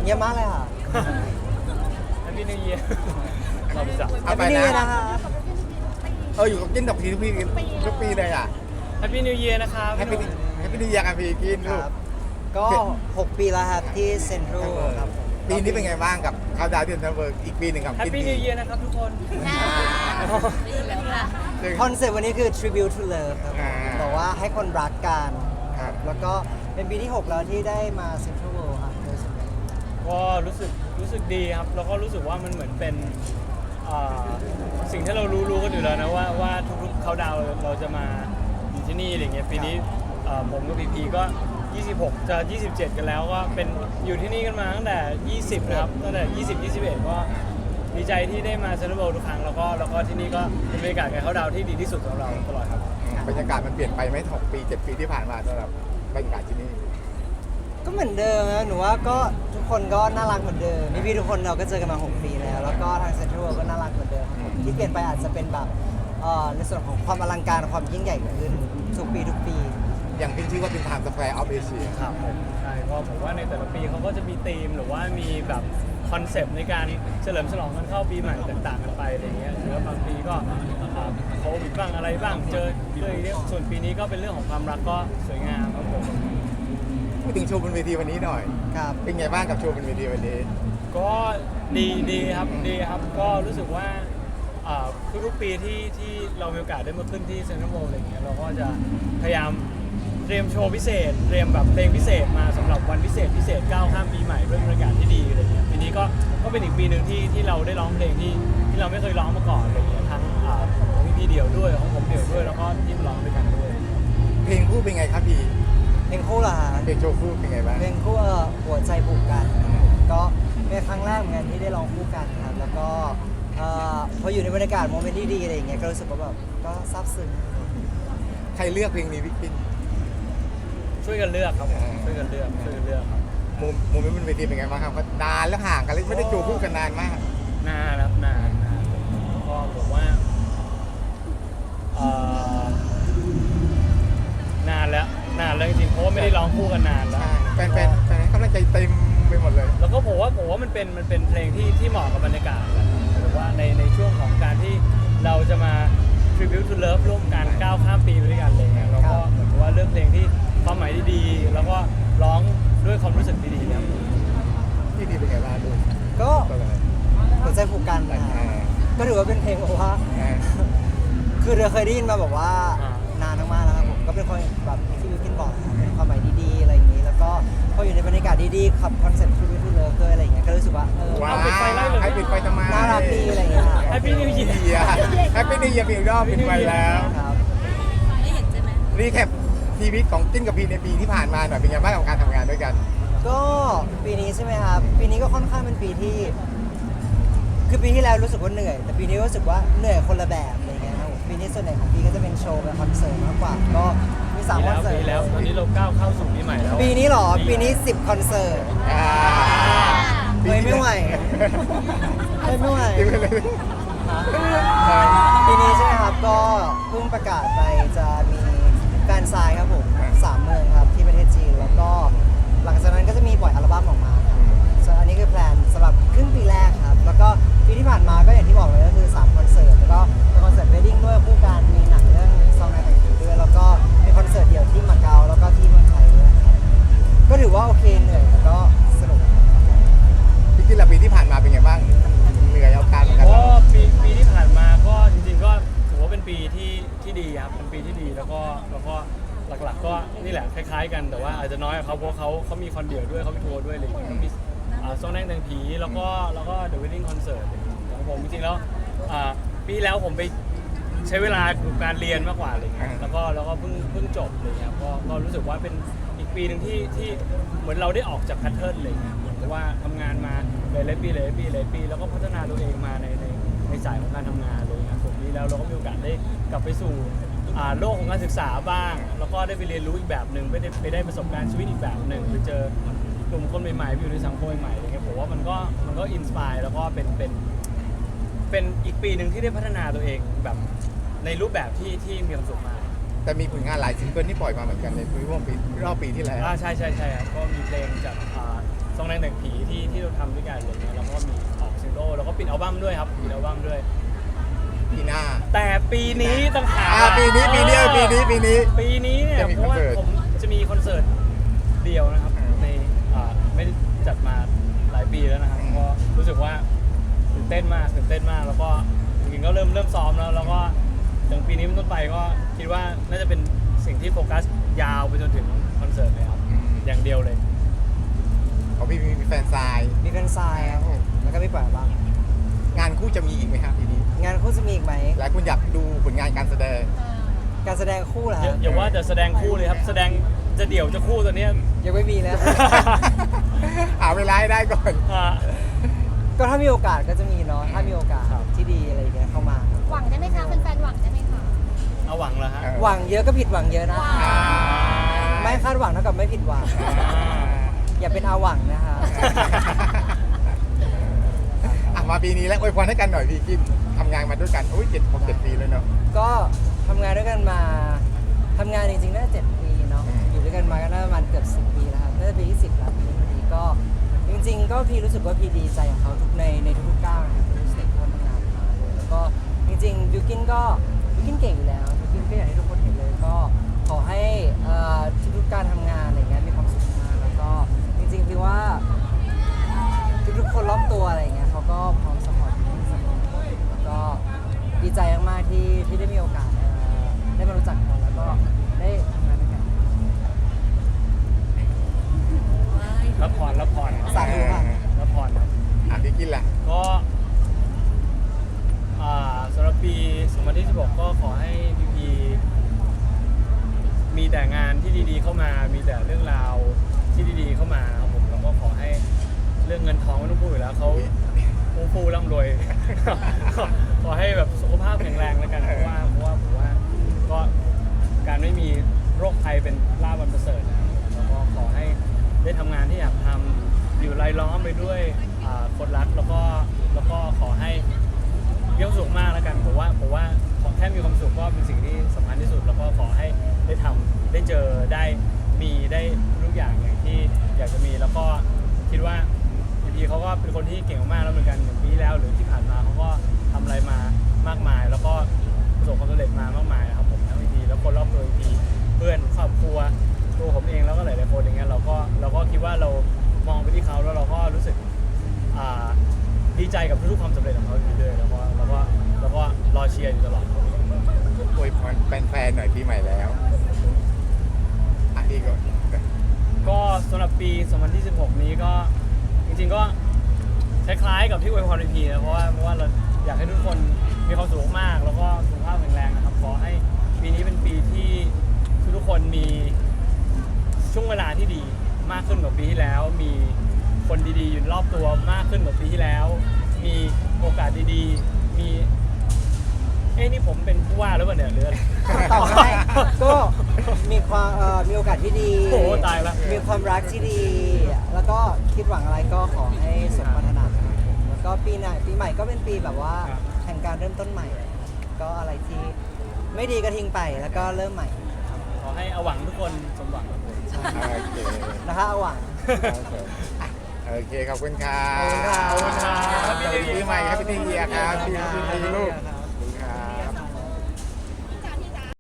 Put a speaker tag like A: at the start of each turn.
A: เงียบมากเลยค่ะ
B: แฮปปี้นิวเยียร์เราจะ
A: แฮปปี้นิวเยียร์นะคะ
C: อยู่กับกินกับพีทุกปีเลยอ่ะ
B: แฮปปี้นิวเยียร์นะครับ
C: แฮปปี้นิวเยียร์กับพีกิน
A: ค
C: ลูก
A: รับก็ 6 ปีแล้วครับที่เซ็นทรัลครับผม
C: ปีนี้เป็นไงบ้างกับเขาดาวน์ที่เซ็นทรัลเวิลด์อีกปีหนึ่งกับ
B: แฮป
C: กิน
B: ปี้นิวเยียร์นะครับทุกคน
A: คอนเซ็ปต์วันนี้คือ tribute to love ครับผมบอกว่าให้คนรักกันครับแล้วก็เป็นปีที่ 6 แล้วที่ได้มาเซ็นทรัลเวิลด์ครับโดยเฉพาะ
B: ก็รู้สึกดีครับแล้วก็รู้สึกว่ามันเหมือนเป็นสิ่งที่เรารู้กันอยู่แล้วนะว่าทุกๆเขาดาวน์เราจะมาอยู่ที่นี่อะไรเงี้ยปีนี้ผมกับพีก็ 26 จะ 27 กันแล้วก็เป็นอยู่ที่นี่กันมาตั้งแต่ 20 นะครับตั้งแต่ 20 21 ก็ดีใจที่ได้มาเซ็นทรัลเวิลด์ทุกครั้งแล้วก็ที่นี่ก็เป็นบรรยากาศการเขาดาวน์ที่ดีที่สุดสำหรับเราตลอดครับ
C: บรรยากาศมันเปลี่ยนไปไหม6 ปี 7 ปีที่ผ่านมาสำหรับบรรยากาศที่นี่
A: ก็เหมือนเดิมนะหนูว่าก็ทุกคนก็น่ารักเหมือนเดิมพี่ๆทุกคนเราก็เจอกันมา 6 ปีแล้วแล้วก็ทางเซ็นทรัลเวิลด์ก็น่ารักเหมือนเดิมครับผมที่เปลี่ยนไปอาจจะเป็นแบบในส่วนของความอลังการความยิ่งใหญ่ขึ้นทุกปี
C: อย่างเป็นชื่อว่าเป็น Times Square of Asia
B: ครับผมใช่ก็ผมว่าในแต่ละปีเขาก็จะมีธีมหรือว่ามีแบบคอนเซปต์ในการเฉลิมฉลองกันเข้าปีใหม่ต่างๆกันไปอะไรเงี้ยหรือว่าบางปีก็โควิดบ้างอะไรบ้างเจอส่วนปีนี้ก็เป็นเรื่องของความรักก็สวยงามครับผม
C: พูดถึงโชว์บนเวทีวันนี้หน่อย
A: ๆครับ
C: เป็นไงบ้างกับโชว์บนเวทีวันนี้
B: ก็ดีครับก็รู้สึกว่าทุกๆปีที่เรามีโอกาสได้มาขึ้นที่เซ็นทรัลเวิลด์อะไรเงี้ยเราก็จะพยายามเตรียมโชว์พิเศษเตรียมแบบเพลงพิเศษมาสำหรับวันพิเศษก้าวข้ามปีใหม่ด้วยบรรยากาศที่ดีอะไรเงี้ยปีนี้ก็เป็นอีกปีหนึ่งที่เราได้ร้องเพลงที่เราไม่เคยร้องมาก่อนอะไรเงี้ยทั้งของพี่เดี่ยวด้วยของผมเดี่ยวด้วยแล้วก็ที่ร้องด้วยกันด้วย
C: เพลงคู่เป็นไงครับพี่
A: เพลงคู่ล่ะฮะ
C: เพลงโชว์คู่เป็นไงบ้าง
A: เพลงคู่หัวใจผูกกันก็เป็นครั้งแรกเหมือนกันที่ได้ร้องคู่กันครับแล้วก็พออยู่ในบรรยากาศโมเมนต์ที่ดีอะไรอย่างเงี้ยก็รู้สึกว่าแบบก็ซาบซึ้ง
C: ใครเลือกเพลงนี้พี่กิน
B: ช่วยกันเลือกครับผมช่วยกันเลือกครับ
C: โมเมนต์บนเวทีเป็นไงบ้างครับก็นานแล้วห่างกันเลยไม่ได้โชว์คู่กันนานมาก
B: นานครับนานก็ผมว่านานแล้วจริงๆเพราะว่าไม่ได้ร้องคู่กันนานแล้ว
C: ใช่แฟนๆกำลังใจเต็มไปหมดเลย
B: แล้วก็ผมว่ามันเป็นเพลงที่เหมาะกับบรรยากาศแหละหรือว่าในช่วงของการที่เราจะมา tribute to love ร่วมกันก้าวข้ามปีไปด้วยกันอะไรเงี้ยเราก็เหมือนกับว่าเลือกเพลงที่ความหมายดีๆแล้วก็ร้องด้วยความรู้สึกดีๆครับ
C: ที่ดีเป็นไงบ้างดู
A: ก็
C: ก็เลย
A: หัวใจผูกกันนะฮะก็ถือว่าเป็นเพลงแบบว่า คือเราเคยได้ยินมาบอกว่านานมากๆแล้วครับผมก็เป็นคนแบบที่วิวกินบอกนะครับเป็นความหมายดีๆอะไรอย่างนี้ แล้วก็พออยู่ในบรรยากาศดีๆขับคอนเซ็ปต์ tribute to love ด้วยอะไรอย่างเงี้ยก็รู้สึกว่า
C: ว้าว
B: เอาปิดไฟไล่เลย
C: ให้ปิดไฟทำไม
A: น่ารักดีอะไรอย่างเงี้ย
B: Happy New Year
C: แฮปปี้นิวเยียร์ปีรอบปิดไฟแล้ว
A: ครับ
D: ได้เห็นใช่ไหม
C: รีแคปชีวิตของจิ้นกับพีในปีที่ผ่านมาหน่อยเป็นไงบ้างกับการทำงานด้วยกัน
A: ก็ปีนี้ใช่ไหมครับปีนี้ก็ค่อนข้างเป็นปีที่คือปีที่แล้วรู้สึกว่าเหนื่อย แต่ปีนี้รู้สึกว่าเหนื่อยคนละแบบอะไรเงี้ยครับผมปีนี้ส่วนใหญ่ของปีก็จะเป็นโชว์เป็นคอนเสิร์ตมากกว่าก็มี3คอนเสิร์ต
B: ปีแล้วตอนนี้เราก้าวเข้าสู่ปีใหม่แล้ว
A: ปีนี้เหรอปีนี้10คอนเสิร์ต เฮ้ยไม่ไหว ไม่ไหว ปีนี้ใช่ไหมครับก็เพิ่งประกาศไปจะมีแฟนซายครับผม3 เมืองครับที่ประเทศจีนแล้วก็หลังจากนั้นก็จะมีปล่อยอัลบั้มออกมาครับส่วนอันนี้คือแพลนสำหรับครึ่งปีแรกครับแล้วก็ปีที่ผ่านมาก็อย่างที่บอกเลยก็คือ3คอนเสิร์ตแล้วก็เป็นคอนเสิร์ตเวดดิ้งด้วยคู่กันมีหนังเรื่องซองในแต่งผีด้วยแล้วก็มีคอนเสิร์ตเดี่ยวที่มาเก๊าแล้วก็ที่เมืองไทยด้วยครับก็ถือว่าโอเคเหนื่อยแต่ก็สนุก
C: พี่กินละปีที่ผ่านมาเป็นไงบ้างเหนื่อยเอาการเหมือนกัน
B: ก็ปีที่ผ่านมาก็จริงๆก็ถือว่าเป็นปีที่ดีครับเป็นปีที่ดีแล้วก็หลักๆก็นี่แหละคล้ายๆกันแต่ว่าอาจจะน้อยกว่าเขาเพราะเขามีคอนเดียวด้วยเขามีทัวร์ด้วยอะไรอย่างเงี้ยเขามีโซนแดงแดงผีแล้วก็เดอะเวดดิ้งคอนเสิร์ตของผมจริงๆแล้วปีที่แล้วผมไปใช้เวลากับการเรียนมากกว่าอะไรเงี้ยแล้วก็เพิ่งจบอะไรเงี้ยก็รู้สึกว่าเป็นอีกปีหนึ่งที่เหมือนเราได้ออกจากแพทเทิร์นเลยเหมือนกับว่าทำงานมาหลายปีแล้วก็พัฒนาตัวเองมาในสายของการทำงานเลยนะผมนี้แล้วเราก็มีโอกาสได้กลับไปสู่โลกของการศึกษาบ้างแล้วก็ได้ไปเรียนรู้อีกแบบหนึ่งไปได้ประสบการณ์ชีวิตอีกแบบหนึ่งไปเจอกลุ่มคนใหม่ๆไปอยู่ในสังคมใหม่ๆอะไรเงี้ยผมว่ามันก็อินสปายแล้วก็เป็นอีกปีหนึ่งที่ได้พัฒนาตัวเองแบบในรูปแบบที่มีความสุขมาก
C: แต่มีผลงานหลายซิงเกิลที่ปล่อยมาเหมือนกันในรอบปีที่แล้ว
B: ใช่ครับก็มีเพลงจากซองแดงแต่งผีที่เราทำด้วยกันอะไรเงี้ยแล้วก็มีออกซิงเกิลแล้วก็ปิดอัลบั้มด้วยครับปิดอัลบั้มด้วย
C: ปีหน้า
B: แต่ปีนี้ต้องหา
C: ปีนี้ปีนี้
B: ปีนี้เนี่ย
C: จะมี
B: เพราะว่า
C: คอนเสิร์ต
B: ผมจะมีคอนเสิร์ตเดียวนะครับในไม่ได้จัดมาหลายปีแล้วนะครับก็รู้สึกว่าตื่นเต้นมากแล้วก็จริงๆก็เริ่มซ้อมแล้วก็ถึงปีนี้เป็นต้นไปก็คิดว่าน่าจะเป็นสิ่งที่โฟกัสยาวไปจนถึงคอนเสิร์ตเลยครับอย่างเดียวเลย
C: ของพี่มีแฟนซาย
A: มีแฟนซายครับผมแล้วก็มีปล่อยอัลบั้ม
C: งานคู่จะมีอีกไหมครับปีนี้
A: งานคู่จะมีอีกไหม
C: หลายคนอยากดูผลงานการแสดง
A: การแสดงคู่เหรอ
B: อย่าว่าแต่แสดงคู่เลยครับแสดงจะเดี่ยวจะคู่ตัวเนี้ย
A: ยังไม่มีแล้ว
C: หาเวลาให้ได้ก่อน
B: อ่า
A: ก็ถ้ามีโอกาสก็จะมีเนาะถ้ามีโอกาส
B: ครับ
A: ที่ดีอะไรอย่างเงี้ยเข้ามาครับ
D: หวังได้ไหมคะแฟนๆหวังได้ไหมคะ
B: เอาหวังแล้วฮะ
A: หวังเยอะก็ผิดหวังเยอะนะ
C: อ่า
A: ไม่คาดหวังเท่ากับไม่ผิดหวัง อย่าเป็นอาหวังนะคะ
C: มาปีนี้แล้วอวยพรให้กันหน่อยพี่กินทำงานมาด้วยกันโอ้ย7 ปีแล้วเนาะ
A: ก็ทำงานด้วยกันมาทำงานจริงๆน่าจะ7 ปีเนาะ
C: อืม
A: อยู่ด้วยกันมาก็น่าจะประมาณเกือบ10 ปีแล้วครับน่าจะปีที่10แล้วปีนี้ก็จริงๆ ก็พี่รู้สึกว่าพี่ดีใจของเขาทุกในทุกๆก้าวนะครับทุกสเต็ปที่เขาทำงานมาเลยแล้วก็จริงๆบิวกินเก่งอยู่แล้วบิวกินก็อย่างที่ทุกคนเห็นเลยก็ขอให้ทุกๆการทำงานอะไรเงี้ยมีความสุขมากแล้วก็จริงๆพี่ว่า ทุกๆคนรอบตัวอะไรเงี้ยเขาก็พร้อมสปอร์ตที่สปอร์ตแล้วก็ดีใจมากๆที่ได้มีโอกาสได้มารู้จักเขาแล้วก็ได้ทำงานด้วยกัน
B: รับพรครับ
A: สาธุค่ะ
B: รับพรครับ
C: พี่กินล่ะ
B: ก็สำหรับปี 2016 ก็ขอให้พีพีมีแต่งานที่ดีๆเข้ามา มีแต่เรื่องราวที่ดีๆเข้ามาครับผมแล้วก็ขอให้เรื่องเงินทองไม่ต้องพูดอยู่แล้วเขาฟูร่ำรวย ขอให้แบบสุขภาพแข็งแรงแล้วกันเพราะว่าผมว่าก็การไม่มีโรคภัยเป็นลาภอันประเสริฐนะครับแล้วก็ขอให้ได้ทำงานที่อยากทำอยู่รายล้อมไปด้วยคนรักแล้วก็ขอให้มีความสุขมากแล้วกันผมว่าขอแค่มีความสุขก็เป็นสิ่งที่สำคัญที่สุด แล้วก็ขอให้ได้ทำได้เจอได้มีได้ทุกอย่างอย่างที่อยากจะมีแล้วก็คิดว่าพีเขาก็เป็นคนที่เก่งมากๆแล้วเหมือนกันอย่างปีที่แล้วหรือที่ผ่านมาเขาก็ทำอะไรมามากมาย แล้วก็ประสบความสำเร็จมามากมายนะครับผมทั้งพีแล้วคนรอบตัวพีเพื่อนครอบครัวตัวผมเองแล้วก็หลายๆคนอย่างเงี้ยเราก็คิดว่าเรามองไปที่เขาแล้วเราก็รู้สึกดีใจกับทุกๆความสำเร็จของเขาอยู่เลยแล้วก็รอเชียร์อยู่ตลอด
C: อวยพรแฟนๆหน่อยปีใหม่แล้วพี่ก่อน
B: ก็สำหรับปี 2016 นี้ก็จริงๆก็คล้ายๆกับที่อวยพรพีนะเพราะว่าเราอยากให้ทุกคนมีความสุขมากแล้วก็สุขภาพแข็งแรงนะครับขอให้ปีนี้เป็นปีที่ทุกคนมีช่วงเวลาที่ดีมากขึ้นกว่าปีที่แล้ว มีคนดีๆอยู่รอบตัวมากขึ้นกว่าปีที่แล้ว มีโอกาสดีๆมีนี่ผมเป็นผู้ว่าหรือเปล่าเนี่ยหรืออะไร
A: ต่อให้ก็มีความมีโอกาสที่ดี
B: โอ้โหตายละ
A: มีความรักที่ดี แล้วก็คิดหวังอะไรก็ขอให้สมปรารถนาครับผมแล้วก็ปีใหม่ก็เป็นปีแบบว่าแห่งการเริ่มต้นใหม่ครับก็อะไรที่ไม่ดีก็ทิ้งไปแล้วก็เริ่มใหม่
B: ขอให้เอาหวังทุกคนสมหวังครับผม
C: โอเค
A: นะคะเอาหวัง
C: โอเคขอบคุณครั
A: ขอบคุณครับ
C: บ
B: ขอบคุณครับ
C: ปีใหม่ครับพี่เทียครับพี่ลูก